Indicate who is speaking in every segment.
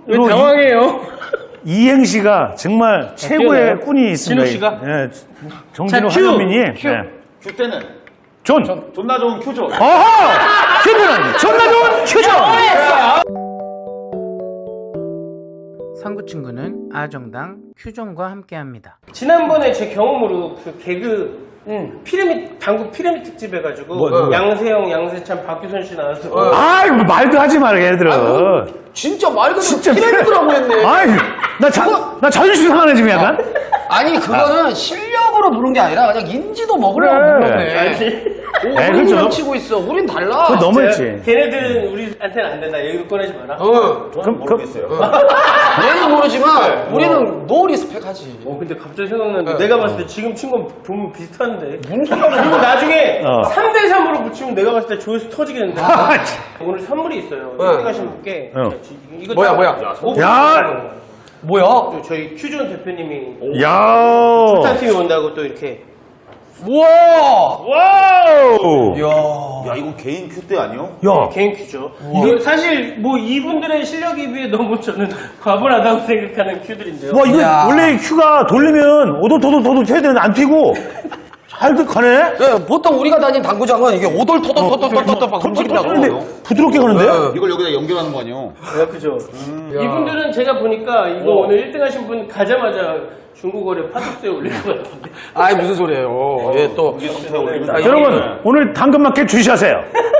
Speaker 1: 왜 당황해요?
Speaker 2: 이행시가 정말 최고의 꾼이 있습니다.
Speaker 1: 진욱 씨가?
Speaker 2: 예, 정진욱
Speaker 1: 자, 큐!
Speaker 2: 한현민이.
Speaker 1: 큐.
Speaker 2: 예.
Speaker 3: 큐 때는
Speaker 2: 존.
Speaker 3: 존나 좋은 큐죠.
Speaker 2: 어허! 큐는 존나 좋은 큐죠!
Speaker 4: 상구친구는 아정당 큐존과 함께합니다.
Speaker 1: 지난번에 제 경험으로 그 개그 피라미드 당구 피라미드 특집 해가지고
Speaker 2: 뭐.
Speaker 1: 양세형, 양세찬, 박규선 씨 나와서
Speaker 2: 아이, 뭐 말도 하지 마라, 얘들아.
Speaker 5: 진짜 말 그대로
Speaker 2: 진짜
Speaker 5: 피라미드라고 했네.
Speaker 2: 아이, 나 자존심 상하네, 지금 약간.
Speaker 5: 아니 그거는 실력으로 부른 게 아니라 그냥 인지도 먹으려고 부른 거네.
Speaker 2: 네,
Speaker 5: 우린
Speaker 2: 그렇죠.
Speaker 5: 치고 있어. 우린 달라.
Speaker 2: 그거 너무했지.
Speaker 1: 걔네들은 우리한테는 안 된다. 얘기 꺼내지 마라.
Speaker 3: 저는 모르겠어요.
Speaker 5: 얘는 모르지만 우리는 노 리스펙하지.
Speaker 1: 근데 갑자기 생각났는데 내가 봤을 때 지금 친 건 보면 비슷한데. 그리고 나중에 3대3으로 붙이면 내가 봤을 때 조회수 터지겠는데. 오늘 선물이 있어요. 여기 가신 분께. 이거
Speaker 5: 뭐야,
Speaker 1: 다-
Speaker 5: 뭐야?
Speaker 2: 야!
Speaker 5: 뭐야?
Speaker 1: 또 저희 큐존 대표님이
Speaker 2: 야!
Speaker 1: 부산팀이 온다고 또 이렇게.
Speaker 5: 우와.
Speaker 2: 와우!
Speaker 5: 야.
Speaker 3: 야, 이건 개인 큐 때 아니요?
Speaker 2: 야,
Speaker 1: 개인 큐죠. 이거 사실 뭐 이분들의 실력에 비해 너무 저는 과분하다고 생각하는 큐들인데요.
Speaker 2: 와, 이거
Speaker 5: 야.
Speaker 2: 원래 큐가 돌리면 오도토도토도 해야 되는데 안 튀고 잘 가네?
Speaker 5: 네, 보통 우리가 다닌 당구장은 이게 오돌토돌토돌토돌토 막 움직인다고.
Speaker 2: 부드럽게 가는데?
Speaker 3: 이걸 여기다 연결하는 거 아니요?
Speaker 1: 그죠. 이분들은 제가 보니까 이거 오늘 1등 하신 분 가자마자 중국어를 파독스에 올릴 것 같은데.
Speaker 5: 아이 무슨 소리예요? 예, 또
Speaker 2: 여러분, 오늘 당근마켓 주시하세요.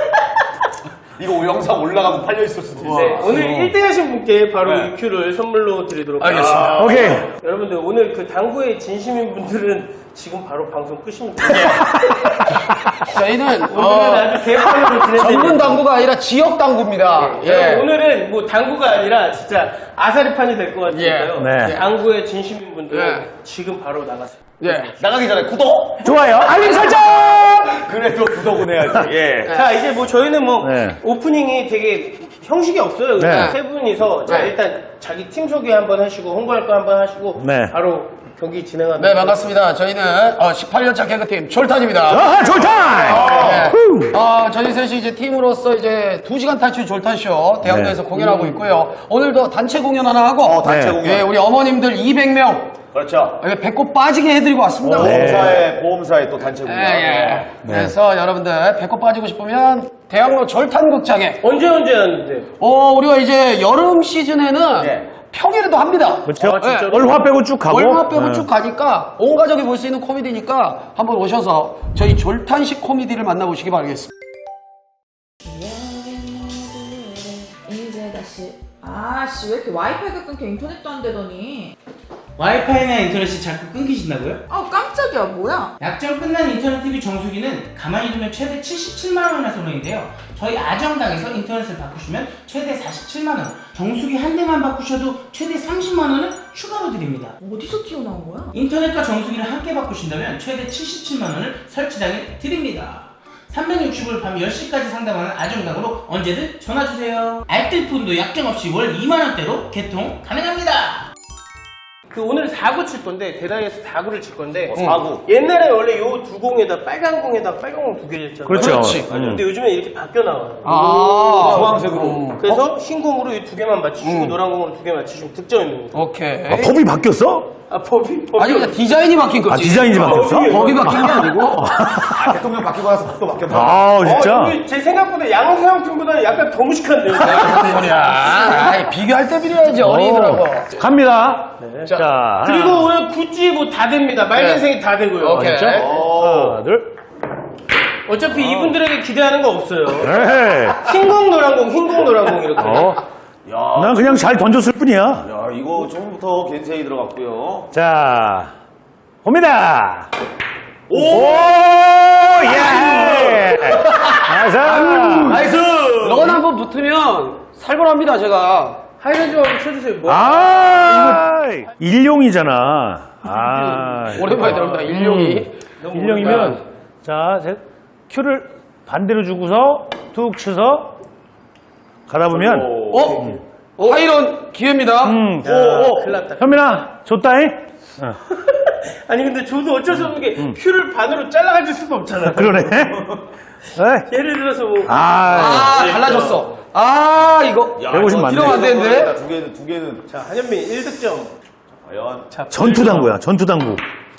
Speaker 3: 이거 영상 올라가고 팔려 있을 수도 있어.
Speaker 1: 네, 오늘 1등 하신 분께 바로 이 큐를 선물로 드리도록
Speaker 5: 알겠습니다.
Speaker 2: 오케이.
Speaker 1: 여러분들 오늘 그 당구에 진심인 분들은 지금 바로 방송 끄시면 돼요.
Speaker 5: 저희는
Speaker 1: 오늘은 아주 개판으로 진행됩니다.
Speaker 5: 전문 당구가 아니라 지역 당구입니다. 예.
Speaker 1: 오늘은 뭐 당구가 아니라 진짜 아사리판이 될 것 같은데요.
Speaker 2: 네.
Speaker 1: 당구의 진심인 분들은
Speaker 5: 예.
Speaker 1: 지금 바로 나가세요.
Speaker 5: 예.
Speaker 3: 나가기 전에 구독!
Speaker 2: 좋아요. 알림 설정!
Speaker 3: 그래도 구독은 해야지. 예.
Speaker 1: 자, 이제 뭐 저희는 뭐
Speaker 2: 네.
Speaker 1: 오프닝이 되게 형식이 없어요.
Speaker 2: 네.
Speaker 1: 세 분이서 자,
Speaker 5: 네.
Speaker 1: 일단 자기 팀 소개 한번 하시고 홍보할 거 한번 하시고
Speaker 2: 네.
Speaker 1: 바로 경기 진행하도록
Speaker 5: 네, 반갑습니다. 저희는 18년차 개그팀 졸탄입니다.
Speaker 2: 아하, 졸타임!
Speaker 5: 저희 셋이 이제 팀으로서 이제 2시간 탈출 졸탄쇼 대학로에서
Speaker 2: 네.
Speaker 5: 공연하고 있고요. 오늘도 단체 공연 하나 하고
Speaker 3: 단체
Speaker 2: 네.
Speaker 3: 공연.
Speaker 5: 예, 우리 어머님들 200명
Speaker 3: 그렇죠.
Speaker 5: 배꼽 빠지게 해드리고 왔습니다.
Speaker 3: 보험사에 또 단체
Speaker 5: 예,
Speaker 3: 공연.
Speaker 5: 예. 그래서 여러분들 배꼽 빠지고 싶으면 대학로 졸탄극장에
Speaker 1: 언제 하는데?
Speaker 5: 우리가 이제 여름 시즌에는
Speaker 3: 네.
Speaker 5: 평일에도 합니다.
Speaker 2: 그렇죠.
Speaker 5: 예.
Speaker 2: 월화 빼고 쭉 가고.
Speaker 5: 월화 빼고
Speaker 2: 네.
Speaker 5: 쭉 가니까 온 가족이 볼 수 있는 코미디니까 한번 오셔서 저희 졸탄식 코미디를 만나보시기 바라겠습니다.
Speaker 6: 이제 다시 아씨 왜 이렇게 와이파이가 끊겨 인터넷도 안 되더니
Speaker 4: 와이파이나 인터넷이 자꾸 끊기신다고요?
Speaker 6: 아우 깜짝이야 뭐야
Speaker 4: 약정 끝난 인터넷 TV 정수기는 가만히 두면 최대 77만 원이나 소모인데요. 저희 아정당에서 인터넷을 바꾸시면 최대 47만 원, 정수기 한 대만 바꾸셔도 최대 30만 원을 추가로 드립니다.
Speaker 6: 어디서 튀어나온 거야?
Speaker 4: 인터넷과 정수기를 함께 바꾸신다면 최대 77만 원을 설치당해 드립니다. 365일 밤 10시까지 상담하는 아정당으로 언제든 전화주세요. 알뜰폰도 약정 없이 월 2만 원대로 개통 가능합니다.
Speaker 1: 그 오늘 4구 칠 건데 대다이에서 4구를 칠 건데
Speaker 3: 4구.
Speaker 1: 옛날에 원래 요 두 공에다 빨간 공에다 빨간 공 두 개를 쳤잖아요.
Speaker 2: 그렇죠.
Speaker 5: 그렇지.
Speaker 1: 근데 요즘에 이렇게 바뀌어 나와요.
Speaker 3: 주황색으로.
Speaker 1: 그래서 흰 공으로 이 두 개만 맞추시고 노란 공으로 두 개 맞추시면 득점입니다.
Speaker 5: 오케이.
Speaker 2: 아, 법이 바뀌었어?
Speaker 1: 법이
Speaker 5: 아니 그냥 디자인이 바뀐 거지.
Speaker 2: 디자인이 바뀌었어?
Speaker 5: 법이 바뀐 게 아니고.
Speaker 3: 대통령 바뀌고 나서 또 바뀌었나?
Speaker 2: 아, 진짜?
Speaker 1: 여기 제 생각보다 양세형 팀보다 약간 더 무식한데요.
Speaker 5: 무슨 소리야. 아이, 비교할 때 비교해야지 어린이들하고.
Speaker 2: 갑니다. 자,
Speaker 1: 그리고 오늘 굿즈 뭐 다 됩니다. 말년생이 다 되고요.
Speaker 5: 오케이.
Speaker 1: 진짜?
Speaker 2: 하나, 둘.
Speaker 1: 어차피 이분들에게 기대하는 거 없어요.
Speaker 2: 에헤이.
Speaker 1: 흰공 노란공 흰공 노란공 이렇게.
Speaker 2: 난 그냥 잘 던졌을 뿐이야.
Speaker 3: 야, 이거 처음부터 겐세이 들어갔고요.
Speaker 2: 자, 옵니다.
Speaker 3: 오!
Speaker 2: 예! 나이스!
Speaker 5: 넌 한번 붙으면 살벌합니다 제가.
Speaker 1: 하이라이트 한번 쳐주세요. 뭐.
Speaker 2: 이거 일용이잖아. 아,
Speaker 5: 오랜만에 들어옵니다. 일용이.
Speaker 2: 일용이면, 자, 큐를 반대로 주고서 툭 쳐서 가다 보면,
Speaker 5: 하이런 기회입니다.
Speaker 1: 큰일 났다.
Speaker 2: 현민아, 좋다잉?
Speaker 1: 아니 근데 저도 어쩔 수 없는 게 큐를 반으로 잘라가질 수도 없잖아.
Speaker 2: 그러네. 에이.
Speaker 1: 예를 들어서 뭐
Speaker 5: 달라졌어. 아, 이거.
Speaker 2: 150 맞네.
Speaker 5: 이러면 안 되는데?
Speaker 3: 두 개는.
Speaker 1: 자, 한현민 1득점.
Speaker 3: 과연.
Speaker 2: 전투당구야, 전투당구.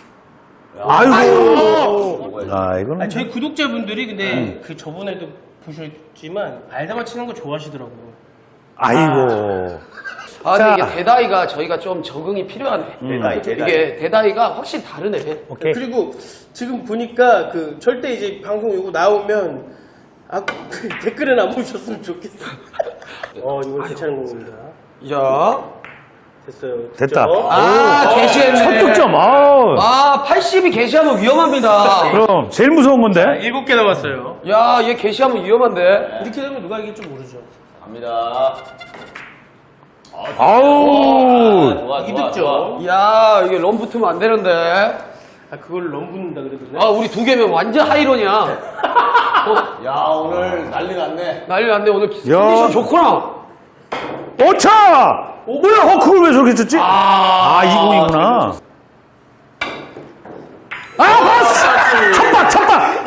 Speaker 2: 아이고. 아, 이거는.
Speaker 1: 아니, 저희 구독자분들이 근데 그 저번에도 보셨지만 알다마 치는 거 좋아하시더라고요.
Speaker 2: 아이고.
Speaker 5: 아,
Speaker 2: 자.
Speaker 5: 근데 이게 대다이가 저희가 좀 적응이 필요하네. 이게 대다이가 확실히 다르네.
Speaker 2: 오케이.
Speaker 1: 그리고 지금 보니까 그 절대 이제 방송 이거 나오면 댓글에 남으셨으면 좋겠어. 이거 괜찮은 공입니다.
Speaker 5: 야.
Speaker 1: 됐어요.
Speaker 2: 됐다.
Speaker 1: 득점.
Speaker 5: 아, 게시했네.
Speaker 2: 첫 득점. 아우.
Speaker 5: 아, 80이 게시하면 위험합니다.
Speaker 2: 그럼 제일 무서운 건데.
Speaker 1: 7개 남았어요.
Speaker 5: 야, 얘 게시하면 위험한데.
Speaker 1: 이렇게 되면 누가 이길지 모르죠.
Speaker 3: 갑니다.
Speaker 2: 아우.
Speaker 3: 좋아,
Speaker 1: 이
Speaker 3: 좋아,
Speaker 1: 득점.
Speaker 3: 좋아.
Speaker 5: 야, 이게 런 붙으면 안 되는데.
Speaker 1: 그걸 넘붙는다 그러던데.
Speaker 5: 아, 우리 두 개면 완전 하이런이야.
Speaker 3: 야, 오늘 난리 났네.
Speaker 5: 난리 났네. 오늘 컨디션 좋구나.
Speaker 2: 오차! 뭐야, 그걸 왜 저렇게 쳤지? 이공이구나. 봤어! 쳤다!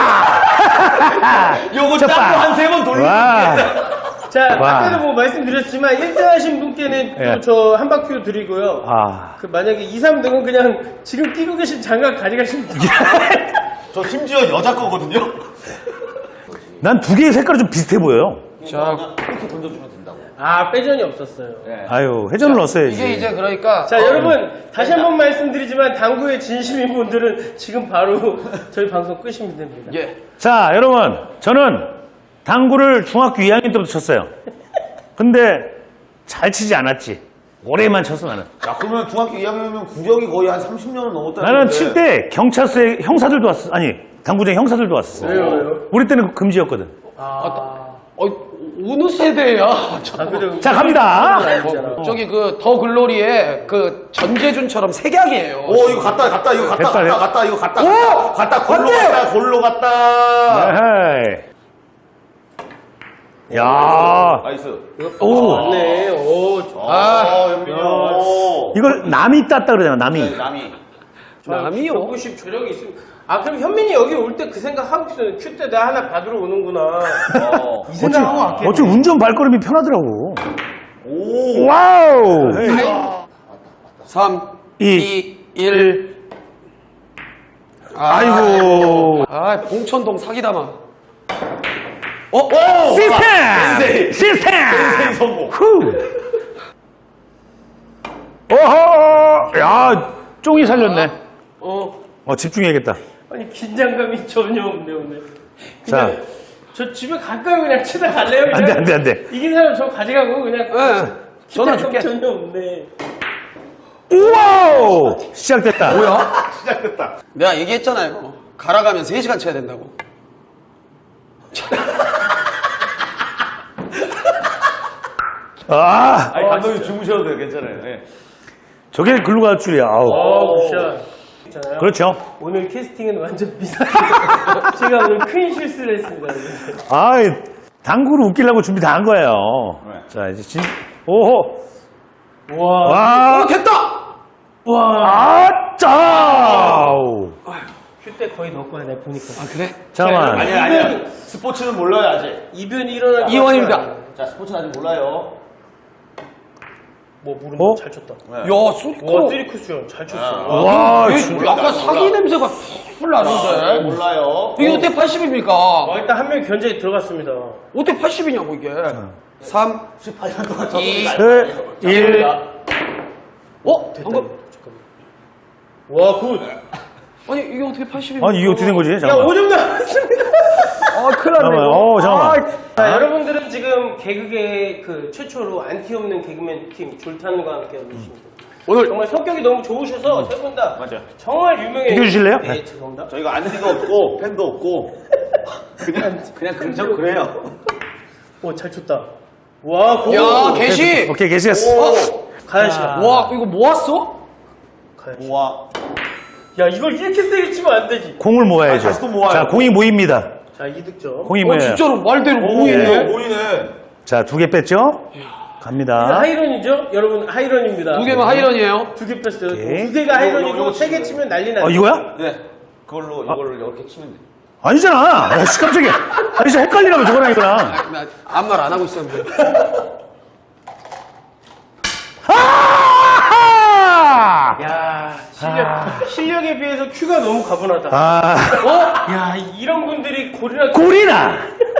Speaker 2: 야!
Speaker 3: 요거 짝도 한 3번 돌리고.
Speaker 2: 와.
Speaker 1: 자,
Speaker 2: 와.
Speaker 1: 아까도 뭐 말씀드렸지만 1등 하신 분께는
Speaker 2: 예.
Speaker 1: 또 저 한 바퀴로 드리고요. 그 만약에 2, 3등은 그냥 지금 끼고 계신 장갑 가져가시면 돼요.
Speaker 3: 저 심지어 여자 거거든요.
Speaker 2: 난 두 개의 색깔이 좀 비슷해 보여요.
Speaker 5: 자,
Speaker 3: 이렇게 던져주면 된다고.
Speaker 1: 빼전이 없었어요.
Speaker 3: 네.
Speaker 2: 아유, 회전을 넣었어야지.
Speaker 5: 이게 이제 그러니까.
Speaker 1: 자, 여러분 다시 한번 말씀드리지만 당구에 진심인 분들은 지금 바로 저희 방송 끄시면 됩니다.
Speaker 5: 예.
Speaker 2: 자, 여러분, 저는 당구를 중학교 2학년 때부터 쳤어요. 근데 잘 치지 않았지. 오래만 쳤어, 나는.
Speaker 3: 야, 그러면 중학교 2학년이면 구력이 거의 한 30년은 넘었다는
Speaker 2: 나는 칠 때 경찰서에 형사들도 왔어. 아니, 당구장 형사들도 왔었어.
Speaker 1: 왜요?
Speaker 2: 우리 때는 그거 금지였거든.
Speaker 5: 어느 세대야?
Speaker 1: 그래요?
Speaker 2: 자, 갑니다.
Speaker 5: 저기 그 더 글로리의 그 전재준처럼 색약이에요.
Speaker 3: 오, 이거 갔다, 이거 갔다, 이거 갔다.
Speaker 5: 오!
Speaker 3: 갔다, 골로 갔다.
Speaker 2: 에헤이. 야.
Speaker 3: 나이스.
Speaker 2: 오.
Speaker 1: 맞네.
Speaker 3: 현민이 형.
Speaker 2: 이걸 남이 땄다 그러잖아, 남이.
Speaker 3: 남이.
Speaker 5: 남이요?
Speaker 1: 190 조력이 있으면. 그럼 현민이 여기 올 때 그 생각 하고 있어요. 큐 때 내가 하나 받으러 오는구나. 이 생각하고 왔겠네.
Speaker 2: 어째 운전 발걸음이 편하더라고.
Speaker 3: 오.
Speaker 2: 와우.
Speaker 5: 3, 2, 1.
Speaker 2: 아이고.
Speaker 5: 봉천동 사기다마.
Speaker 2: 시스템! 시스템!
Speaker 3: 센세이 성공.
Speaker 2: 후. 어허. 야, 쫑이 살렸네. 집중해야겠다.
Speaker 1: 아니 긴장감이 전혀 없네 오늘.
Speaker 2: 자.
Speaker 1: 그냥 저 집에 가까이 그냥 치다 갈래요? 그냥?
Speaker 2: 안 돼.
Speaker 1: 이긴 사람 저 가져가고 그냥.
Speaker 5: 전화
Speaker 1: 긴장감
Speaker 5: 줄게.
Speaker 1: 전혀 없네.
Speaker 2: 우와우! 시작됐다.
Speaker 5: 뭐야?
Speaker 3: 시작됐다.
Speaker 5: 내가 얘기했잖아요. 갈아가면 3시간 쳐야 된다고.
Speaker 3: 아니, 감독님 주무셔도 돼요. 괜찮아요. 네.
Speaker 2: 저게 글로 갈 줄이야. 아우.
Speaker 1: 굿샷. 있잖아요.
Speaker 2: 그렇죠.
Speaker 1: 오늘 캐스팅은 완전 비싸. 제가 오늘 큰 실수를 했습니다.
Speaker 2: 당구를 웃기려고 준비 다 한 거예요.
Speaker 3: 네.
Speaker 2: 자, 이제 오호.
Speaker 1: 와.
Speaker 5: 됐다!
Speaker 2: 짜우.
Speaker 1: 큐때 거의 넣을 거야 내가 보니까.
Speaker 5: 그래?
Speaker 2: 잠깐만.
Speaker 3: 아니야. 스포츠는 몰라요, 아직.
Speaker 1: 이변이 일어날 것
Speaker 5: 이원입니다.
Speaker 1: 같아요.
Speaker 3: 자, 스포츠는 아직 몰라요.
Speaker 1: 모른다.
Speaker 2: 어?
Speaker 1: 잘 쳤다.
Speaker 5: 야,
Speaker 1: 와,
Speaker 5: 수리코.
Speaker 1: 쓰리쿠션 잘 쳤어.
Speaker 2: 와,
Speaker 5: 약간 사기 냄새가 풀 나는데.
Speaker 3: 몰라요.
Speaker 5: 이게 어때 80입니까?
Speaker 1: 일단 한 명 견제에 들어갔습니다.
Speaker 5: 어때 80이냐고, 이게. 3,
Speaker 3: 18년 동안
Speaker 5: 2,
Speaker 3: 적응이
Speaker 2: 1.
Speaker 5: 방금.
Speaker 1: 와, 굿.
Speaker 5: 아니, 이게 어떻게 80입니까?
Speaker 2: 아니, 이게 어떻게 된 거지?
Speaker 1: 야,
Speaker 2: 잠깐만.
Speaker 1: 5점 나왔습니다.
Speaker 5: 큰일 났네.
Speaker 2: 잠깐만. 잠깐만.
Speaker 1: 자, 여러분들은 지금 개그계 그 최초로 안티 없는 개그맨 팀 졸탄과 함께 하고 계십니다.
Speaker 5: 오늘
Speaker 1: 정말 성격이 너무 좋으셔서 세 분 다
Speaker 3: 맞아요.
Speaker 1: 정말 유명해요.
Speaker 2: 비켜주실래요?
Speaker 1: 네, 죄송합니다.
Speaker 3: 저희가 안티가 없고, 팬도 없고, 그냥 그래요.
Speaker 1: 오, 잘 쳤다. 와, 고.
Speaker 5: 야, 개시!
Speaker 2: 오케이, 게시했어.
Speaker 1: 가야 시간.
Speaker 5: 와, 이거 모았어?
Speaker 3: 우와.
Speaker 1: 야, 이걸 이렇게 세게 치면 안 되지.
Speaker 2: 공을 모아야죠.
Speaker 3: 다시 또 모아요.
Speaker 2: 자, 공이 모입니다.
Speaker 1: 자, 2득점.
Speaker 2: 공이 모여요.
Speaker 5: 진짜로 말대로
Speaker 3: 오,
Speaker 5: 모이네.
Speaker 3: 보이네.
Speaker 2: 자, 2개 뺐죠? 갑니다.
Speaker 1: 하이런이죠? 여러분, 하이런입니다.
Speaker 5: 두 개면 하이런이에요.
Speaker 1: 2개 뺐어요.
Speaker 2: 오케이.
Speaker 1: 2개가 하이런이고
Speaker 3: 요거
Speaker 1: 3개 치면 난리 나요.
Speaker 2: 이거야?
Speaker 3: 네. 이걸로 이렇게 치면 돼.
Speaker 2: 아니잖아. 야, 씨, 깜짝이야. 아니, 진짜 헷갈리나 봐, 저거랑 이거랑.
Speaker 5: 나 아무 말 안 하고 있었는데.
Speaker 2: 아!
Speaker 1: 야, 실력에 비해서 큐가 너무 가분하다.
Speaker 2: 아,
Speaker 1: 야, 이런 분들이 고리라.
Speaker 2: 꼴이나!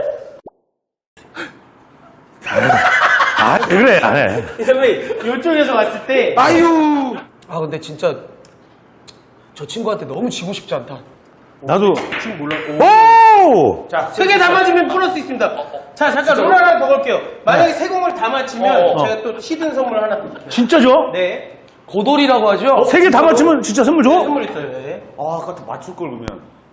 Speaker 2: 아, 그래, 안 해.
Speaker 1: 선배님, 이쪽에서 봤을 때.
Speaker 5: 아유. 아 근데 진짜 저 친구한테 너무 지고 싶지 않다.
Speaker 2: 나도.
Speaker 1: 지금 몰랐고.
Speaker 2: 오!
Speaker 1: 자, 3개 다 맞으면 플러스 있습니다. 자, 잠깐 롤 하나 더 걸게요. 만약에 3공을 다 맞히면 제가 또 히든 선물 하나 드릴게요.
Speaker 2: 진짜 줘?
Speaker 1: 네.
Speaker 5: 고돌이라고 하죠?
Speaker 2: 3개 다 맞추면 진짜 선물 줘?
Speaker 1: 선물 있어요. 네.
Speaker 3: 아, 아까 맞출 걸 그러면.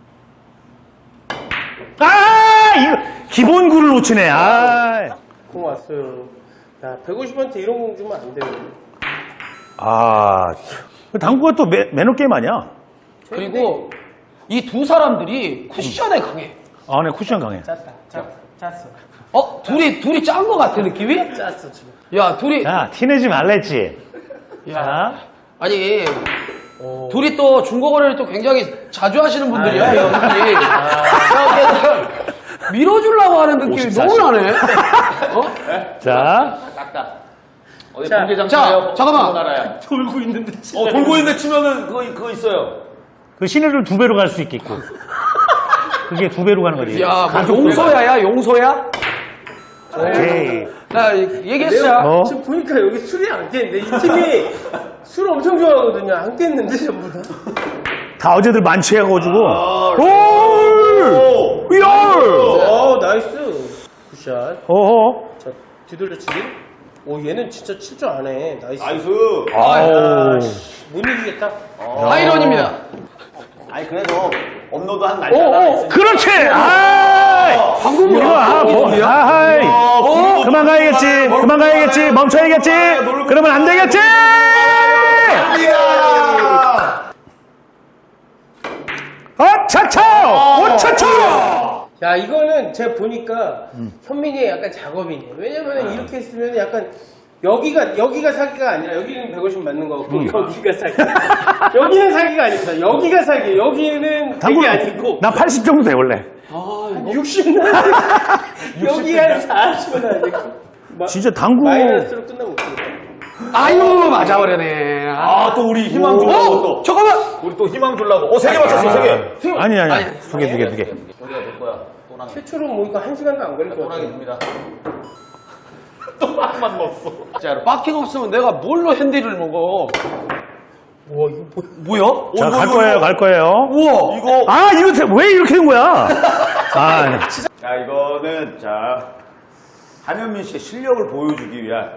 Speaker 2: 아! 이거, 기본 굴을 놓치네, 아.
Speaker 1: 공 왔어요. 야, 150한테 이런 공 주면 안 돼요.
Speaker 2: 아. 당구가 또 매너 게임 아니야?
Speaker 5: 그리고 이 두 사람들이 쿠션에 강해.
Speaker 2: 아, 네, 쿠션 강해.
Speaker 1: 짰어.
Speaker 5: 둘이 짠 거 같아 느낌이?
Speaker 1: 짰어, 지금.
Speaker 5: 야 둘이
Speaker 2: 자, 티내지 말랬지. 자.
Speaker 5: 아니 둘이 또 중고거래를 또 굉장히 자주 하시는 분들이야 이 형들이. 밀어주려고 하는 느낌이 너무 나네.
Speaker 2: 자.
Speaker 3: 어디
Speaker 1: 자,
Speaker 3: 공개장
Speaker 5: 자,
Speaker 3: 차요?
Speaker 5: 잠깐만.
Speaker 3: 나라야.
Speaker 1: 돌고 있는데.
Speaker 3: 돌고 있는데 치면은 그거 있어요.
Speaker 2: 그 시내를 2배로 갈 수 있겠고. 그게 2배로 가는 거지.
Speaker 5: 야, 뭐 용소야야 용소야?
Speaker 2: 오케이.
Speaker 5: 나 얘기했어.
Speaker 2: 어?
Speaker 1: 지금 보니까 여기 술이 안 깼는데 이 팀이 술 엄청 좋아하거든요. 안 깼는데 전부 다.
Speaker 2: 다 어제들 만취해가지고. 롤! 롤!
Speaker 1: 나이스. 굿샷.
Speaker 2: 어허.
Speaker 1: 자, 뒤돌려치기. 오, 얘는 진짜 칠 줄 아네. 나이스.
Speaker 3: 나이스.
Speaker 2: 아우.
Speaker 1: 못 이기겠다.
Speaker 5: 아이런입니다.
Speaker 3: 아니, 그래도 업로드 한 날짜가 있으니까.
Speaker 2: 그렇지! 아!
Speaker 5: 방금
Speaker 2: 이거, 아하이. 그만 가야겠지. 그만 가야겠지. 멈춰야겠지. 그러면 안 되겠지! 차차! 오차차!
Speaker 1: 야, 이거는 제가 보니까 현민이의 약간 작업이네. 왜냐면 이렇게 했으면 약간 여기가 사기가 아니라 여기는 150 맞는 거고 여기가 사기. 여기는 사기가 아닙니다. 여기가 사기. 여기는 100이 아니고
Speaker 2: 나 80 정도 돼, 원래.
Speaker 1: 60 나야 돼. 여기 한 40 나야 돼.
Speaker 2: 진짜 당구.
Speaker 1: 마이너스로 끝나면 어떡해.
Speaker 5: 아유 맞아버려네.
Speaker 3: 아, 또 우리 희망 주려고 또.
Speaker 5: 잠깐만.
Speaker 3: 우리 또 희망 주려고. 3개 맞췄어, 3개.
Speaker 2: 아니. 두 개.
Speaker 3: 여기가 될 거야. 또랑
Speaker 1: 최초로 모니까 1시간도 안 걸릴 것 같아.
Speaker 3: 또랑이 됩니다. 또 한만 넣었어. 진짜로.
Speaker 5: 바퀴가 없으면 내가 뭘로 핸디를 먹어?
Speaker 1: 와, 이거
Speaker 5: 뭐야?
Speaker 2: 자, 갈 거예요, 갈 거예요.
Speaker 5: 우와.
Speaker 3: 이거.
Speaker 2: 아, 이거 왜 이렇게 된 거야? 아,
Speaker 3: 자, 이거는, 한현민 씨의 실력을 보여주기 위한.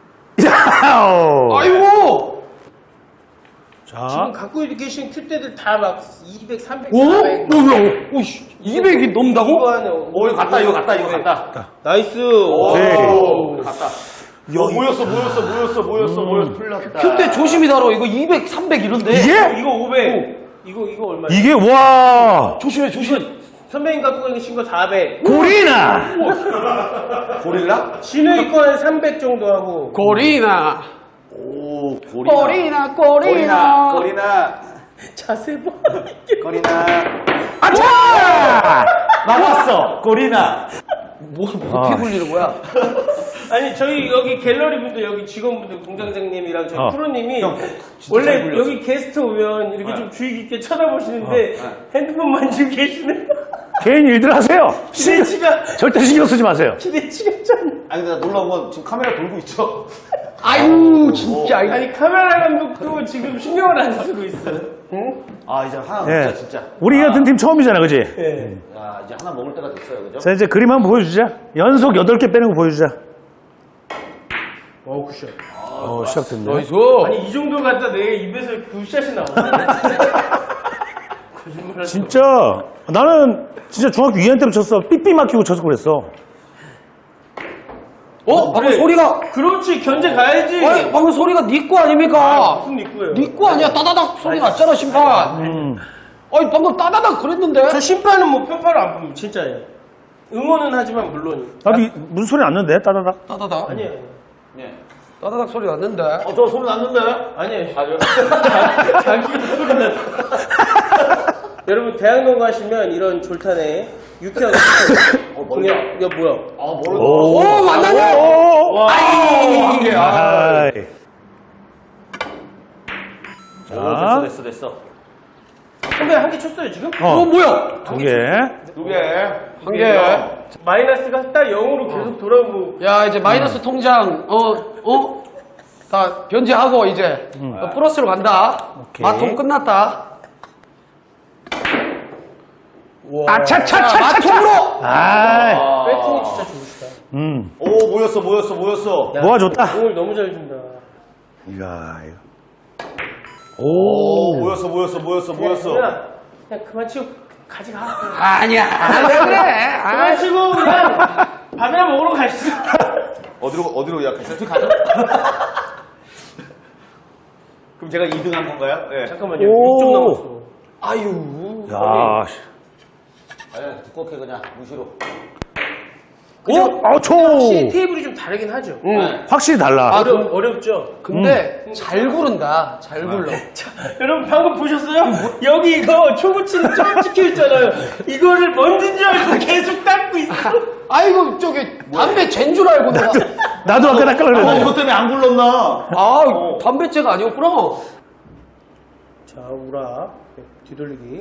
Speaker 5: 아이고.
Speaker 2: 자,
Speaker 1: 지금 갖고 계신 큐대들 다 막 200, 300,
Speaker 5: 오?
Speaker 1: 400.
Speaker 5: 뭐야? 오씨. 200이 넘는다고?
Speaker 1: 이거 하네.
Speaker 3: 이거 갔다, 이거 갔다.
Speaker 1: 나이스.
Speaker 2: 오케이.
Speaker 3: 갔다. 모였어, 풀렸다.
Speaker 5: 큐대 조심히 다뤄. 이거 200, 300 이런데.
Speaker 2: 이게?
Speaker 1: 이거 500. 이거 얼마야?
Speaker 2: 이게, 와.
Speaker 5: 조심해.
Speaker 1: 선배님 갖고 계신 거 400.
Speaker 2: 고리나!
Speaker 3: 고릴라?
Speaker 1: 진우이 거는 300 정도 하고.
Speaker 5: 고리나.
Speaker 3: 오, 고리나.
Speaker 5: 꼬리나.
Speaker 1: 자세 봐.
Speaker 3: 고리나.
Speaker 2: 아차!
Speaker 3: 나왔어, 고리나.
Speaker 5: 뭐 어떻게 굴리는 거야?
Speaker 1: 아니 저희 여기 갤러리 분들 여기 직원분들 공장장님이랑 저희 프로님이
Speaker 3: 진짜 잘
Speaker 1: 원래
Speaker 3: 굴렸어.
Speaker 1: 여기 게스트 오면 이렇게 좀 주의 깊게 쳐다보시는데 핸드폰 만지고 계시네.
Speaker 2: 개인 일들 하세요.
Speaker 1: 기대치가
Speaker 2: 절대 신경 쓰지 마세요.
Speaker 1: 기대치가 좀.
Speaker 3: 아니, 근데 나 놀라운 건 지금 카메라 돌고 있죠?
Speaker 5: 아유 진짜.
Speaker 1: 아니 카메라 감독도 지금 신경을 안 쓰고 있어. 응?
Speaker 3: 아, 이제 하나
Speaker 2: 예.
Speaker 3: 먹자, 진짜.
Speaker 2: 우리 같은 팀 처음이잖아, 그지?
Speaker 1: 네.
Speaker 3: 야, 이제 하나 먹을 때가 됐어요, 그죠?
Speaker 2: 자, 이제 그림 한번 보여주자. 연속 8개 빼는 거 보여주자.
Speaker 1: 굿샷.
Speaker 2: 시작됐네.
Speaker 5: 나이스.
Speaker 1: 아니 이 정도 갖다 내 입에서 굿샷이 나오네. 거짓말하지.
Speaker 2: 진짜, 나는 진짜 중학교 2학년 때부터 쳤어. 삐삐 막히고 쳐서 그랬어.
Speaker 5: 방금
Speaker 1: 그래.
Speaker 5: 소리가.
Speaker 1: 그렇지 견제 가야지.
Speaker 5: 아니 방금 소리가 네 거 아닙니까?
Speaker 1: 무슨 니꾸예요?
Speaker 5: 네 거 아니야? 따다닥 소리 났잖아 심판. 아니 방금 따다닥 그랬는데.
Speaker 1: 저 심판은 뭐 편파를 안 봅니다. 진짜예요. 응원은 하지만 물론.
Speaker 2: 나도 무슨 소리 났는데? 따다닥.
Speaker 5: 따다닥.
Speaker 1: 아니에요.
Speaker 3: 예.
Speaker 5: 따다닥 소리 났는데.
Speaker 3: 저 소리 났는데?
Speaker 1: 아니에요.
Speaker 3: 아니요.
Speaker 1: 자기 소리 났어. 여러분 대학로 가시면 이런 졸탄에 유쾌한 그냥 야 뭐야?
Speaker 2: 오,
Speaker 5: 만나냐?
Speaker 2: 아이. 자,
Speaker 3: 됐어.
Speaker 1: 선배 한 개 쳤어요 지금?
Speaker 5: 뭐야?
Speaker 2: 두 개.
Speaker 5: 한 개.
Speaker 1: 마이너스가 딱 0으로 계속 돌아오고.
Speaker 5: 야, 이제 마이너스 통장, 다 변제하고, 이제, 플러스로 간다.
Speaker 2: 오케이.
Speaker 5: 마통 끝났다.
Speaker 2: 아차차차차.
Speaker 5: 마통으로!
Speaker 2: 아,
Speaker 1: 배팅이 진짜 좋으시다.
Speaker 3: 오, 모였어.
Speaker 2: 모아줬다.
Speaker 1: 공을 너무 잘 준다.
Speaker 2: 이야, 이거.
Speaker 3: 오,
Speaker 2: 오,
Speaker 3: 모였어.
Speaker 1: 그냥 그만 치고 가져가.
Speaker 5: 아니야. 그래.
Speaker 1: 그만 치고 그냥 밥이나 먹으러 가시죠.
Speaker 3: 어디로 예약했어요? 가죠. 그럼 제가 2등 한 건가요? 네.
Speaker 1: 잠깐만요.
Speaker 2: 오.
Speaker 1: 6점 남았어.
Speaker 5: 아유.
Speaker 2: 야,
Speaker 3: 아니, 두껍게 그냥 무시로.
Speaker 1: 확실히 테이블이 좀 다르긴 하죠.
Speaker 2: 확실히 달라.
Speaker 1: 어렵죠?
Speaker 5: 근데, 잘 구른다. 잘 굴러.
Speaker 1: 자, 여러분 방금 보셨어요? 여기 이거 초고치는 점 찍혀있잖아요. 이거를 뭔진 줄 알고 계속 닦고 있어.
Speaker 5: 아이고, 저기, 담배 잰 줄 알고 내가.
Speaker 2: 나도 아까 낚아려
Speaker 3: 이것
Speaker 2: 그랬는데.
Speaker 3: 때문에 안 굴렀나?
Speaker 5: 담배째가 아니었구나.
Speaker 1: 자, 우라. 뒤돌리기.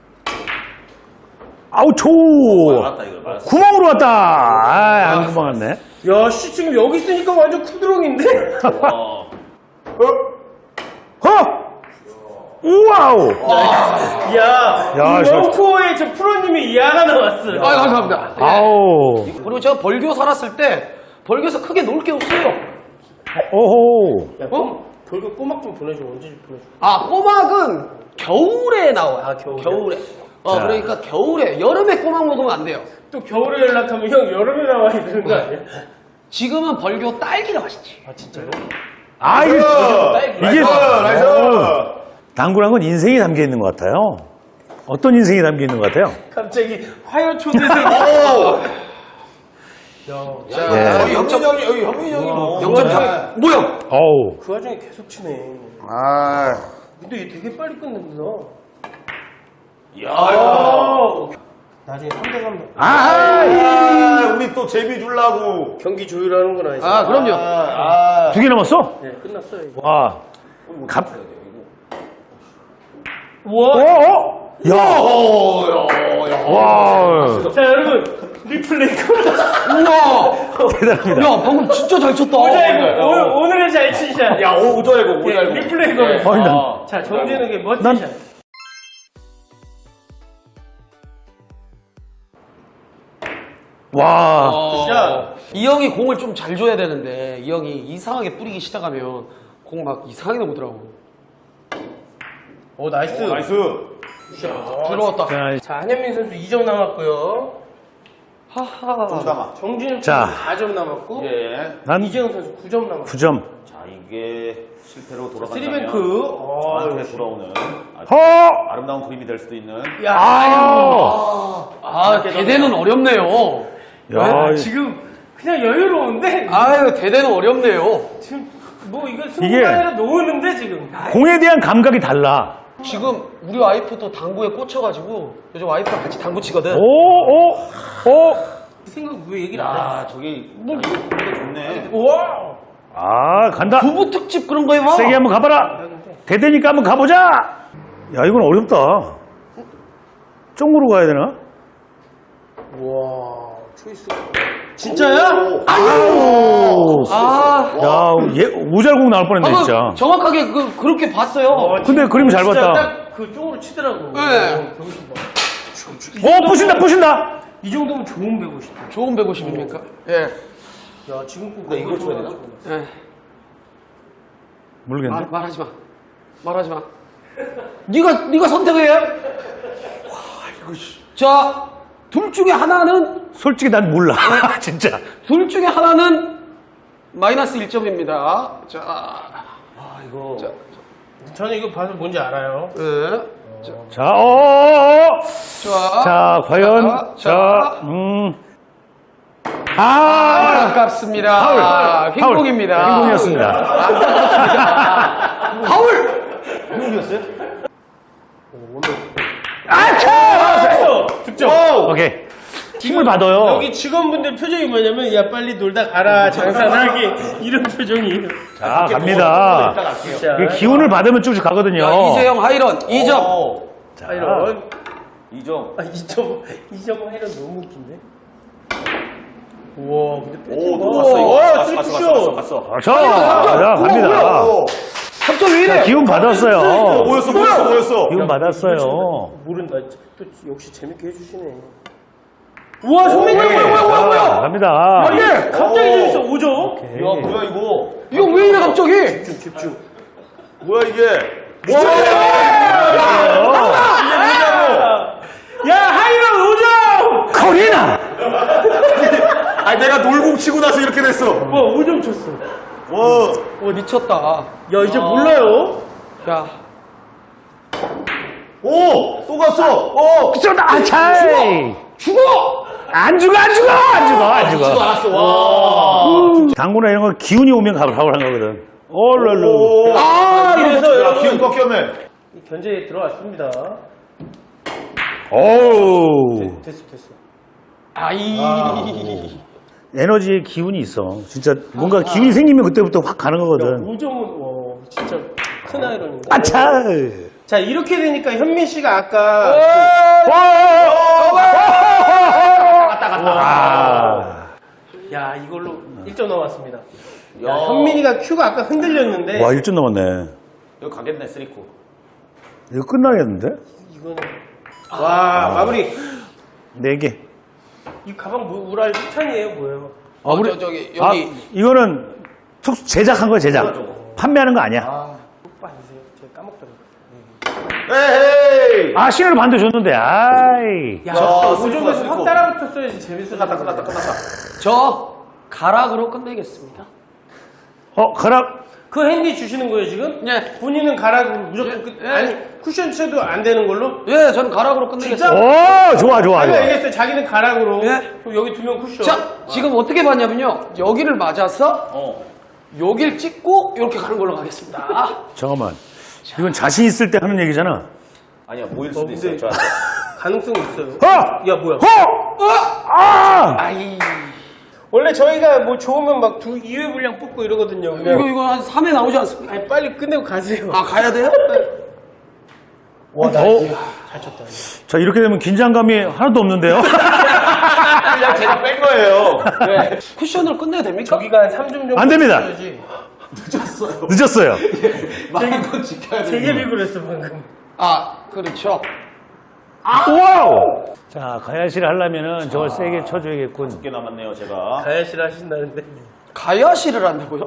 Speaker 2: 아우, 초.
Speaker 3: 맞다, 이거. 맞았어.
Speaker 2: 구멍으로 왔다. 아, 안 구멍 왔네.
Speaker 1: 야, 씨, 지금 여기 있으니까 완전 쿠드롱인데?
Speaker 2: 우와우.
Speaker 1: 야,
Speaker 2: 야,
Speaker 1: 이
Speaker 2: 저-
Speaker 1: 런코어에 저 프로님이 이하가 나왔어요.
Speaker 5: 아, 감사합니다.
Speaker 2: 아우.
Speaker 5: 그리고 제가 벌교 살았을 때, 벌교에서 크게 놀 게 없어요.
Speaker 2: 오호.
Speaker 1: 야, 돌고 꼬막 좀 보내줘. 언제 좀 보내줘.
Speaker 5: 아, 꼬막은 겨울에 나와요.
Speaker 1: 아, 겨울에?
Speaker 2: 자.
Speaker 5: 그러니까 겨울에, 여름에 꼬막 먹으면 안 돼요.
Speaker 1: 또 겨울에 연락하면 형 여름에 나와야 되는 거 아니야?
Speaker 5: 지금은 벌교 딸기가 맛있지.
Speaker 1: 아, 진짜로?
Speaker 2: 아, 이게. 이게.
Speaker 3: 나이스!
Speaker 2: 당구란 건 인생이 담겨 있는 것 같아요. 어떤 인생이 담겨 있는 것 같아요?
Speaker 1: 갑자기 화요 초대생이.
Speaker 2: 예.
Speaker 3: 영준 형이, 여기 형민 형이 뭐.
Speaker 5: 0.3. 뭐야?
Speaker 2: 어우.
Speaker 1: 그 와중에 계속 치네.
Speaker 3: 아.
Speaker 1: 근데 얘 되게 빨리 끝낸다.
Speaker 3: 야.
Speaker 1: 나중에 3대3
Speaker 2: 아,
Speaker 3: 우리 또 재미 주려고.
Speaker 1: 경기 조율하는 건 아니죠?
Speaker 5: 아, 그럼요.
Speaker 2: 두 개 남았어?
Speaker 1: 네, 끝났어요. 이거.
Speaker 2: 와. 갑.
Speaker 1: 우와!
Speaker 2: 야. 와.
Speaker 1: 자, 여러분, 리플레이
Speaker 5: 우와!
Speaker 2: 대단합니다.
Speaker 5: 야, 방금 진짜 잘 쳤다.
Speaker 1: 오자이고, 오늘은 잘 치샷.
Speaker 3: 야, 오자이고,
Speaker 1: 예, 리플레이 거.
Speaker 2: 아니, 난.
Speaker 1: 자, 정재는게 멋진
Speaker 2: 난-
Speaker 1: 샷.
Speaker 2: 와.
Speaker 1: 샷.
Speaker 5: 이 형이 공을 좀 잘 줘야 되는데, 이 형이 이상하게 뿌리기 시작하면 공 막 이상하게 넘더라고.
Speaker 1: 오, 나이스.
Speaker 3: 나이스.
Speaker 5: 들어왔다.
Speaker 2: 자,
Speaker 1: 자, 한현민 선수 2점 남았고요.
Speaker 5: 하하.
Speaker 3: 잠깐만.
Speaker 1: 정진욱
Speaker 2: 자.
Speaker 1: 선수 4점 남았고.
Speaker 3: 예.
Speaker 2: 난
Speaker 1: 이재영 선수 9점 남았고.
Speaker 2: 9점.
Speaker 3: 자, 이게 실패로 돌아간다면.
Speaker 1: 쓰리뱅크.
Speaker 3: 저한테 돌아오는 아주
Speaker 2: 허!
Speaker 3: 아름다운 그림이 될 수도 있는.
Speaker 1: 야,
Speaker 5: 아, 대대는 어렵네요.
Speaker 2: 야,
Speaker 1: 지금 그냥 여유로운데?
Speaker 5: 아유, 대대는 어렵네요.
Speaker 1: 지금 뭐 이거 승부가 놓는데 지금.
Speaker 2: 공에 대한 감각이 달라.
Speaker 5: 지금 우리 와이프도 당구에 꽂혀가지고 요즘 와이프랑 같이 당구 치거든.
Speaker 2: 오.
Speaker 1: 그 생각 왜 얘기를 안 해?
Speaker 3: 아, 저기, 이거 좋네.
Speaker 1: 우와!
Speaker 2: 아, 간다.
Speaker 5: 부부 특집 그런 거 해봐.
Speaker 2: 세게 한번 가봐라. 대대니까 한번 가보자. 야, 이건 어렵다. 쪽으로 가야 되나?
Speaker 1: 우와, 초이스. 진짜야?
Speaker 2: 아우.
Speaker 5: 아,
Speaker 2: 야, 얘 오잘공 나올 뻔했네,
Speaker 5: 방금
Speaker 2: 진짜.
Speaker 5: 정확하게 그렇게 봤어요.
Speaker 2: 근데 그림 잘
Speaker 1: 진짜
Speaker 2: 봤다.
Speaker 1: 딱 그 쪽으로 치더라고.
Speaker 5: 네.
Speaker 1: 거기서 봐.
Speaker 2: 부신다.
Speaker 1: 이 정도면 좋은 150다.
Speaker 5: 좋은 150입니까? 예.
Speaker 1: 야, 지금 꼭 이걸 쳐야 되나?
Speaker 5: 예.
Speaker 2: 모르겠네.
Speaker 5: 말하지 마. 말하지 마. 네가 선택해. 자, 둘 중에 하나는
Speaker 2: 솔직히 난 몰라. 진짜.
Speaker 5: 둘 중에 하나는 마이너스 1점입니다. 자,
Speaker 3: 이거.
Speaker 1: 저는 이거 봐서 뭔지 알아요.
Speaker 5: 예.
Speaker 2: 자,
Speaker 5: 자,
Speaker 2: 자, 과연.
Speaker 5: 자, 아깝습니다.
Speaker 2: 파울.
Speaker 5: 흰공입니다.
Speaker 2: 흰공이었습니다.
Speaker 5: 파울!
Speaker 3: 형이었어요?
Speaker 2: 아,
Speaker 1: 득점.
Speaker 2: 오케이. 힘을 받아요.
Speaker 1: 여기 직원분들 표정이 뭐냐면 야 빨리 놀다 가라 장사하게 이런 표정이에요.
Speaker 2: 자, 갑니다.
Speaker 1: 자,
Speaker 2: 이 기운을 받으면 쭉쭉 가거든요.
Speaker 5: 자, 이재영 하이런 2점.
Speaker 2: 자,
Speaker 1: 이런
Speaker 3: 2점.
Speaker 1: 2점 하이런 너무 웃긴데. 우와 근데
Speaker 3: 오,
Speaker 1: 거.
Speaker 3: 또 갔어, 이거.
Speaker 1: 와,
Speaker 3: 갔어, 갔어,
Speaker 1: 쓰리쿠션.
Speaker 3: 갔어.
Speaker 2: 그렇죠. 자, 갑니다.
Speaker 5: 3점 왜 이래?
Speaker 2: 기운 받았어요.
Speaker 3: 뭐였어.
Speaker 2: 기운 받았어요.
Speaker 1: 모른다. 또 역시 재밌게 해주시네. 우와 선배님
Speaker 2: 자, 갑니다.
Speaker 1: 갑자기 재밌어 5점.
Speaker 3: 야, 뭐야, 이거.
Speaker 5: 이거 왜 이래 갑자기?
Speaker 1: 집중.
Speaker 3: 뭐야, 이게.
Speaker 1: 야 하이런 5점.
Speaker 2: 코리나!
Speaker 3: 아니, 내가 놀공 치고 나서 이렇게 됐어.
Speaker 1: 와 5점 쳤어.
Speaker 3: 와.
Speaker 5: 미쳤다.
Speaker 1: 야 이제 몰라요.
Speaker 5: 야,
Speaker 3: 오! 또 갔어!
Speaker 2: 쏘다! 아, 차이!
Speaker 5: 죽어!
Speaker 2: 안 죽어!
Speaker 3: 알았어, 와.
Speaker 2: 당구나 이런 거 기운이 오면 가을 한 거거든. 올랄루.
Speaker 5: 아,
Speaker 1: 그래서
Speaker 3: 야,
Speaker 1: 여러분
Speaker 3: 기운 꺾였네.
Speaker 1: 견제에 들어왔습니다.
Speaker 2: 오우.
Speaker 1: 됐어.
Speaker 2: 에너지에 기운이 있어. 진짜 뭔가 기운이 생기면 그때부터 확 가는 거거든.
Speaker 1: 5점은 와 진짜 큰 아이러니다.
Speaker 2: 아차!
Speaker 1: 자 이렇게 되니까 현민 씨가 아까
Speaker 2: 아.
Speaker 1: 야 이걸로 1점 넘었습니다. 야 현민이가 큐가 아까 흔들렸는데
Speaker 2: 와, 1점 넘었네.
Speaker 3: 이거 가겠네, 쓰리코.
Speaker 2: 이거 끝나겠는데?
Speaker 1: 이거는 와 마무리.
Speaker 2: 4개.
Speaker 1: 이 가방 우랄 협찬이에요 뭐예요?
Speaker 2: 우리-
Speaker 5: 저기
Speaker 2: 아,
Speaker 5: 여기
Speaker 2: 이거는 특수 제작한 거야, 제작. 판매하는 거 아니야.
Speaker 1: 오빠 아니세요? 제가 까먹더라고요.
Speaker 3: 에헤이!
Speaker 2: 아, 신호를 반대 줬는데, 아이.
Speaker 1: 야,
Speaker 3: 쓰리코다,
Speaker 1: 5점에서
Speaker 3: 쓰리코.
Speaker 1: 확 따라붙었어야지 재밌었을 텐데.
Speaker 5: 저 가락으로 끝내겠습니다.
Speaker 2: 가락.
Speaker 1: 그 핸디 주시는 거예요 지금?
Speaker 5: 네.
Speaker 1: 본인은 가락으로 무조건 끝. 아니 쿠션 쳐도 안 되는 걸로?
Speaker 5: 예, 저는 가락으로 끝내겠습니다.
Speaker 2: 오, 좋아.
Speaker 1: 아니 알겠어요. 자기는 가락으로.
Speaker 5: 예.
Speaker 1: 그럼 여기 2명 쿠션.
Speaker 5: 자, 지금 어떻게 봤냐면요. 여기를 맞아서
Speaker 3: 어.
Speaker 5: 여길 찍고 이렇게 가는 걸로 가겠습니다.
Speaker 2: 잠깐만. 이건 자신 있을 때 하는 얘기잖아.
Speaker 3: 아니야, 모일 수도
Speaker 1: 근데-
Speaker 3: 있어요, 저한테.
Speaker 1: 가능성이 있어요.
Speaker 2: 어!
Speaker 1: 야 뭐야?
Speaker 2: 아!
Speaker 5: 아이,
Speaker 1: 원래 저희가 뭐 좋으면 막 2회 분량 뽑고 이러거든요.
Speaker 5: 이거 한 3회 나오지 않습니까?
Speaker 1: 아니 빨리 끝내고 가세요.
Speaker 5: 아, 가야 돼요?
Speaker 1: 잘 쳤다.
Speaker 2: 자, 이렇게 되면 긴장감이 하나도 없는데요?
Speaker 3: 그냥 제가 뺀 거예요. 네.
Speaker 5: 쿠션으로 끝내야 됩니까?
Speaker 1: 저기가 한 3점 정도.
Speaker 2: 안 됩니다.
Speaker 1: 쳐야지.
Speaker 2: 늦었어요.
Speaker 3: 말한 건 지켜야 돼.
Speaker 1: 되게 비굴했어 방금.
Speaker 5: 아, 그렇죠.
Speaker 2: 와우! 자, 가야시를 하려면은 저걸 세게 쳐줘야겠군.
Speaker 3: 2개 남았네요, 제가.
Speaker 1: 가야시를 하신다는데.
Speaker 5: 가야시를 한다고요?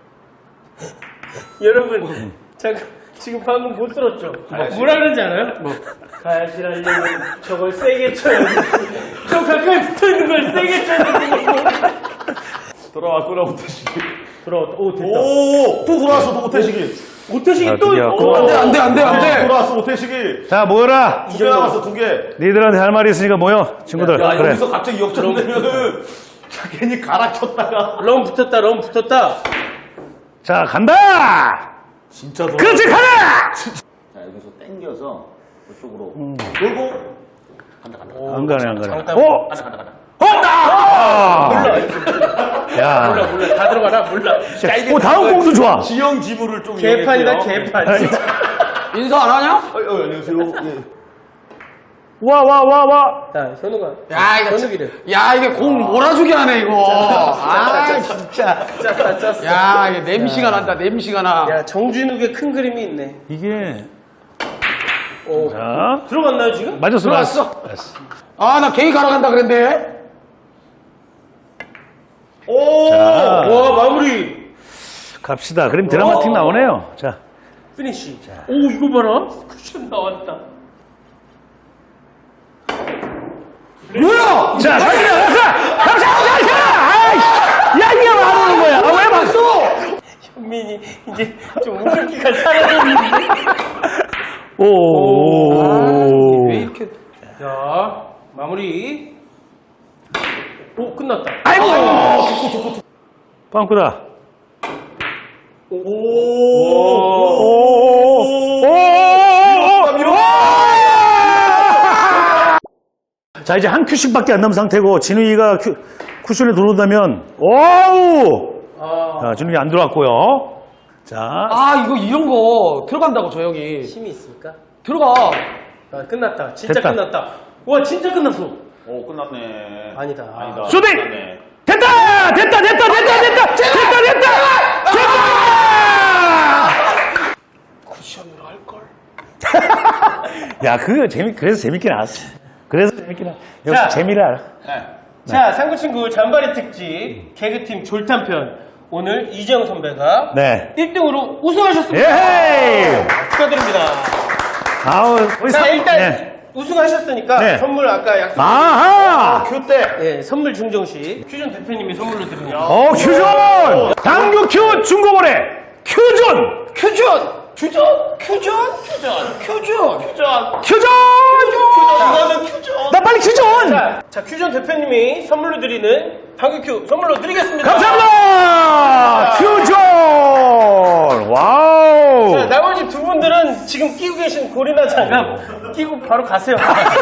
Speaker 1: 여러분, 잠깐 지금 방금 못 들었죠? 뭐라 그러는지 알아요? 가야시 하려면 저걸 세게 쳐야 돼. 저 가까이 붙어 있는 걸 세게 쳐야 돼.
Speaker 3: 돌아왔구나, 오태식이.
Speaker 1: 돌아왔다. 오 됐다.
Speaker 3: 오! 또 돌아왔어, 또 오태식이.
Speaker 1: 오태식이 또.
Speaker 2: 드디어.
Speaker 1: 오.
Speaker 5: 안 돼.
Speaker 3: 돌아왔어, 오태식이.
Speaker 2: 자, 모여라!
Speaker 3: 2개 남았어, 2개.
Speaker 2: 니들한테 할 말이 있으니까 모여, 친구들.
Speaker 3: 야,
Speaker 2: 그래.
Speaker 3: 여기서 갑자기 역전되면은 자, 괜히 갈아쳤다가.
Speaker 1: 럼 붙었다. 럼 붙었다.
Speaker 2: 자, 간다!
Speaker 3: 진짜 돌아.
Speaker 2: 그렇지, 가라!
Speaker 3: 자, 여기서 당겨서 이쪽으로 돌고 간다.
Speaker 2: 안 가네.
Speaker 1: 장담.
Speaker 3: 간다.
Speaker 2: 야.
Speaker 1: 몰라. 다 들어가라. 몰라.
Speaker 2: 오, 다음 공도 좋아.
Speaker 3: 지형 지물을 좀
Speaker 1: 개판이다.
Speaker 3: 이용했고요.
Speaker 1: 개판.
Speaker 5: 인사 안 하냐?
Speaker 3: 안녕하세요. 예.
Speaker 2: 와.
Speaker 1: 자, 현우가.
Speaker 5: 야, 이거
Speaker 1: 현우기래.
Speaker 5: 야, 이게 공 몰아주게 하네, 이거. 아, 진짜.
Speaker 1: 짰어.
Speaker 5: 야, 이게 냄새가 난다, 냄새가 나.
Speaker 1: 야, 정진욱의 큰 그림이 있네.
Speaker 2: 이게.
Speaker 1: 오.
Speaker 2: 자.
Speaker 1: 들어갔나요 지금?
Speaker 2: 맞았어.
Speaker 5: 들어갔어. 아, 나 개인 가러 간다 그랬는데.
Speaker 3: 오!
Speaker 2: 자,
Speaker 1: 와, 마무리.
Speaker 2: 갑시다. 그럼 드라마틱 나오네요. 자.
Speaker 1: 피니쉬. 오, 이거 봐라. 쿠션 나왔다.
Speaker 5: 뭐야?
Speaker 2: 자, 갑시다. 야, 이게 뭐 하는 거야? 아, 왜 박수?
Speaker 1: 현민이 이제 좀 웃음기가 사라졌는데.
Speaker 2: 오.
Speaker 5: 왜 이렇게.
Speaker 1: 자, 마무리. 오, 끝났다.
Speaker 2: 아이고. 빵꾸다. 자, 이제 한 큐씩밖에 안 남은 상태고, 진우이가 쿠션에 들어온다면, 오우! 자, 진우이 안 들어왔고요. 자,
Speaker 5: 아, 이거 이런 거 들어간다고, 저 형이.
Speaker 1: 힘이 있습니까?
Speaker 5: 들어가.
Speaker 1: 아, 끝났다. 진짜
Speaker 2: 됐다.
Speaker 1: 끝났다. 와, 진짜 끝났어.
Speaker 3: 오, 끝났네.
Speaker 1: 아니다.
Speaker 3: 아니다.
Speaker 2: 슈팅!
Speaker 3: 끝났네.
Speaker 2: 됐다! 됐다! 됐다! 됐다! 됐다! 됐다! 됐다!
Speaker 5: 쿠션으로 할걸.
Speaker 2: 야, 그거 그래서 재밌게 나왔어. 그래서 재밌게 나왔어.
Speaker 1: 자.
Speaker 2: 역시 재미를 알아.
Speaker 3: 네.
Speaker 1: 자, 상구친구 잔바리 특집 개그팀 졸탄편. 오늘 이재영 선배가
Speaker 2: 네.
Speaker 1: 1등으로 우승하셨습니다.
Speaker 2: 예헤이!
Speaker 1: 축하드립니다.
Speaker 2: 아우, 우리
Speaker 1: 자, 일단
Speaker 2: 네.
Speaker 1: 우승하셨으니까
Speaker 2: 네.
Speaker 1: 선물 아까 약속.
Speaker 2: 아하!
Speaker 3: 큐때.
Speaker 1: 네, 선물 증정식 큐전 대표님이 선물로 드립니다.
Speaker 2: 큐존! 당구 큐 중고거래! 큐존!
Speaker 5: 큐전! 큐전! 큐전! 큐전!
Speaker 2: 큐존!
Speaker 3: 이거는 큐죠.
Speaker 2: 나 빨리 큐존!
Speaker 1: 자, 큐전 대표님이 선물로 드리는 당구 큐 선물로 드리겠습니다.
Speaker 2: 감사합니다! 큐존! 와우!
Speaker 1: 자, 나머지 두 분들은 지금 끼고 계신 고리나 장갑 끼고 바로 가세요.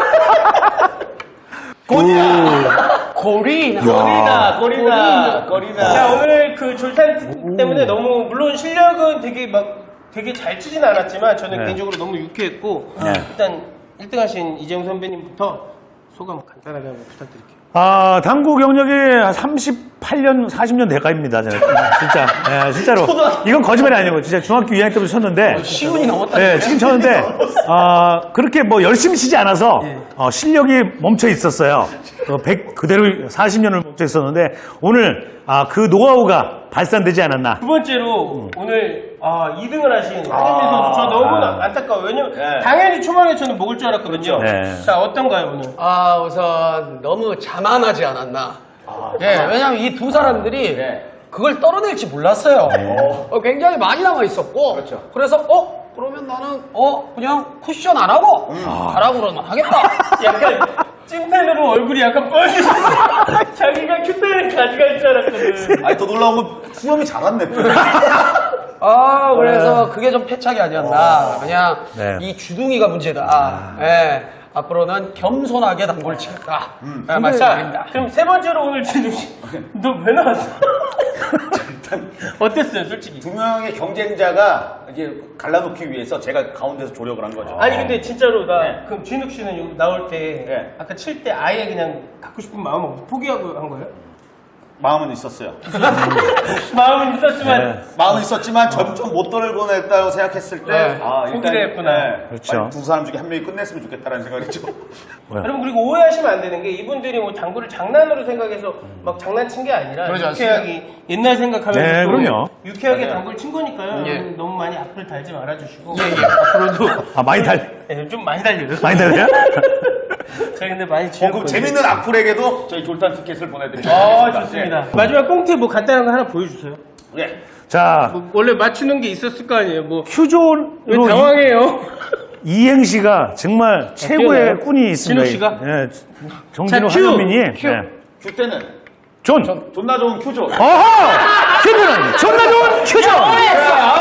Speaker 5: 고리나.
Speaker 3: 거리나.
Speaker 1: 자, 오늘 그 졸탄 때문에 너무 물론 실력은 되게 잘 치진 않았지만 저는
Speaker 2: 네.
Speaker 1: 개인적으로 너무 유쾌했고
Speaker 2: 네.
Speaker 1: 일단 1등 하신 이재용 선배님부터 소감 간단하게 한번 부탁드릴게요.
Speaker 2: 아, 당구 경력이 38년, 40년 대가입니다. 저는. 진짜. 예, 진짜로. 이건 거짓말이 아니고, 진짜 중학교 2학년 때부터 쳤는데.
Speaker 5: 시운이 넘었다.
Speaker 2: 예, 지금 쳤는데, 그렇게 뭐 열심히 치지 않아서, 실력이 멈춰 있었어요. 100, 그대로 40년을 멈춰 있었는데, 오늘, 그 노하우가 발산되지 않았나.
Speaker 1: 두 번째로 오늘 2등을 하신 한현민 선수 저 너무 안타까워요. 왜냐면
Speaker 3: 네.
Speaker 1: 당연히 초반에 저는 먹을 줄 알았거든요.
Speaker 2: 네.
Speaker 1: 자, 어떤가요 오늘?
Speaker 5: 아, 우선 너무 자만하지 않았나. 예, 왜냐면 이 두 사람들이
Speaker 3: 네.
Speaker 5: 그걸 떨어낼지 몰랐어요. 굉장히 많이 남아 있었고.
Speaker 3: 그렇죠.
Speaker 5: 그래서 그러면 나는 그냥 쿠션 안 하고 가라고 그러면 하겠다.
Speaker 1: 약간 찐텐으로 얼굴이 약간 뻘개졌어. 자기가 큐텐을 가져갈 줄 알았거든.
Speaker 3: 아니, 더 놀라운 건 수염이 자랐네.
Speaker 5: 그래서 그게 좀 패착이 아니었나. 그냥
Speaker 2: 네.
Speaker 5: 이 주둥이가 문제다. 예. 앞으로는 겸손하게 당구를 치겠다. 말씀드립니다.
Speaker 1: 그럼 세 번째로 오늘 진우 씨, 너 왜 나왔어? 어땠어요, 솔직히?
Speaker 3: 두 명의 경쟁자가 이제 갈라놓기 위해서 제가 가운데서 조력을 한 거죠.
Speaker 1: 아니 근데 진짜로 나
Speaker 3: 네.
Speaker 1: 그럼 진욱 씨는 여기 나올 때
Speaker 3: 네.
Speaker 1: 아까 칠 때 아예 그냥 갖고 싶은 마음 없이 포기하고 한 거예요?
Speaker 3: 마음은 있었어요.
Speaker 1: 마음은 있었지만
Speaker 2: 네.
Speaker 3: 마음은 있었지만 점점 못 떨궈냈다고 생각했을 때
Speaker 5: 네.
Speaker 1: 포기를 했구나.
Speaker 2: 그렇죠.
Speaker 3: 빨리 두 사람 중에 한 명이 끝냈으면 좋겠다라는 생각이죠.
Speaker 1: 여러분 그리고 오해하시면 안 되는 게 이분들이 뭐 당구를 장난으로 생각해서 막 장난친 게 아니라
Speaker 5: 그러지
Speaker 1: 유쾌하게 옛날 생각하면서
Speaker 2: 네,
Speaker 1: 또
Speaker 2: 그럼요.
Speaker 1: 유쾌하게
Speaker 3: 맞아요.
Speaker 1: 당구를 친 거니까요.
Speaker 5: 예.
Speaker 1: 여러분 너무 많이 앞을 달지 말아주시고 앞으로도
Speaker 2: 많이
Speaker 1: 좀 많이 달려요.
Speaker 2: 많이 달려요?
Speaker 1: 저희 근데 많이
Speaker 3: 그럼
Speaker 1: 지었거든요.
Speaker 3: 재밌는 악플에게도 저희 졸탄 티켓을 보내드립니다.
Speaker 1: 좋습니다. 마지막 꽁트 뭐 간단한 거 하나 보여주세요.
Speaker 3: 네.
Speaker 2: 자,
Speaker 1: 뭐 원래 맞추는 게 있었을 거 아니에요. 뭐 왜
Speaker 2: 큐존으로
Speaker 1: 당황해요?
Speaker 2: 이행시가 정말 최고의
Speaker 1: 뛰어나요?
Speaker 2: 꾼이 있습니다.
Speaker 1: 진욱 씨가?
Speaker 2: 예, 정진우
Speaker 1: 자, 큐!
Speaker 2: 한현민이.
Speaker 1: 큐.
Speaker 2: 네.
Speaker 3: 큐 때는
Speaker 2: 존!
Speaker 3: 존나 좋은 큐죠.
Speaker 2: 어허! 큐존은 존나 좋은 큐존!